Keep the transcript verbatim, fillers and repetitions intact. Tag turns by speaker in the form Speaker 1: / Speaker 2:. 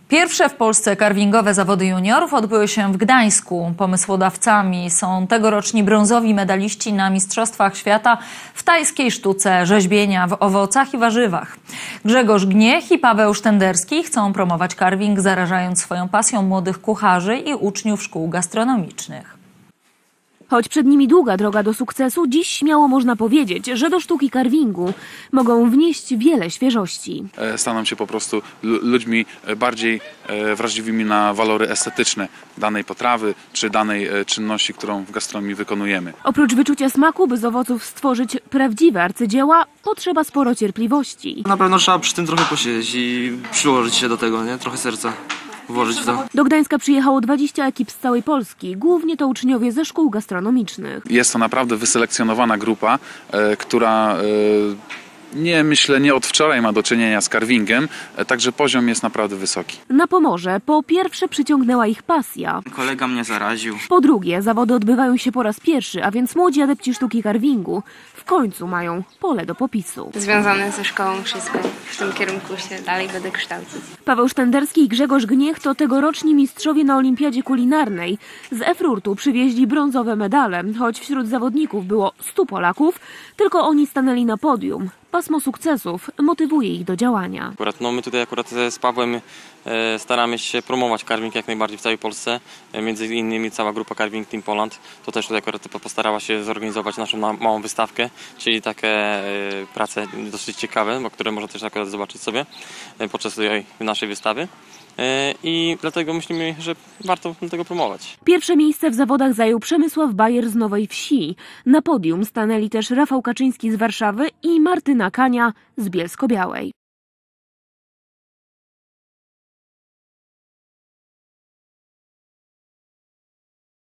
Speaker 1: Pierwsze w Polsce karwingowe zawody juniorów odbyły się w Gdańsku. Pomysłodawcami są tegoroczni brązowi medaliści na Mistrzostwach Świata w tajskiej sztuce rzeźbienia w owocach i warzywach. Grzegorz Gniech i Paweł Sztenderski chcą promować karwing, zarażając swoją pasją młodych kucharzy i uczniów szkół gastronomicznych.
Speaker 2: Choć przed nimi długa droga do sukcesu, dziś śmiało można powiedzieć, że do sztuki karwingu mogą wnieść wiele świeżości.
Speaker 3: Staną się po prostu ludźmi bardziej wrażliwymi na walory estetyczne danej potrawy czy danej czynności, którą w gastronomii wykonujemy.
Speaker 2: Oprócz wyczucia smaku, by z owoców stworzyć prawdziwe arcydzieła, potrzeba sporo cierpliwości.
Speaker 4: Na pewno trzeba przy tym trochę posiedzieć i przyłożyć się do tego, nie? Trochę serca włożyć w to.
Speaker 2: Do Gdańska przyjechało dwadzieścia ekip z całej Polski, głównie to uczniowie ze szkół gastronomicznych.
Speaker 3: Jest to naprawdę wyselekcjonowana grupa, e, która e, nie myślę, nie od wczoraj ma do czynienia z karwingiem, e, także poziom jest naprawdę wysoki.
Speaker 2: Na Pomorze po pierwsze przyciągnęła ich pasja.
Speaker 4: Kolega mnie zaraził.
Speaker 2: Po drugie, zawody odbywają się po raz pierwszy, a więc młodzi adepci sztuki karwingu w końcu mają pole do popisu.
Speaker 5: Związane ze szkołą wszystko. W tym kierunku się dalej będę kształcić.
Speaker 2: Paweł Sztenderski i Grzegorz Gniech to tegoroczni mistrzowie na olimpiadzie kulinarnej. Z Erfurtu przywieźli brązowe medale, choć wśród zawodników było stu Polaków, tylko oni stanęli na podium. Pasmo sukcesów motywuje ich do działania.
Speaker 6: Akurat, no my tutaj akurat z Pawłem e, staramy się promować karwing jak najbardziej w całej Polsce. E, między innymi cała grupa Carving Team Poland to też tutaj akurat postarała się zorganizować naszą na, małą wystawkę, czyli takie e, prace dosyć ciekawe, bo które można też akurat zobaczyć sobie e, podczas tej naszej wystawy. I dlatego myślimy, że warto tego promować.
Speaker 2: Pierwsze miejsce w zawodach zajął Przemysław Bajer z Nowej Wsi. Na podium stanęli też Rafał Kaczyński z Warszawy i Martyna Kania z Bielsko-Białej.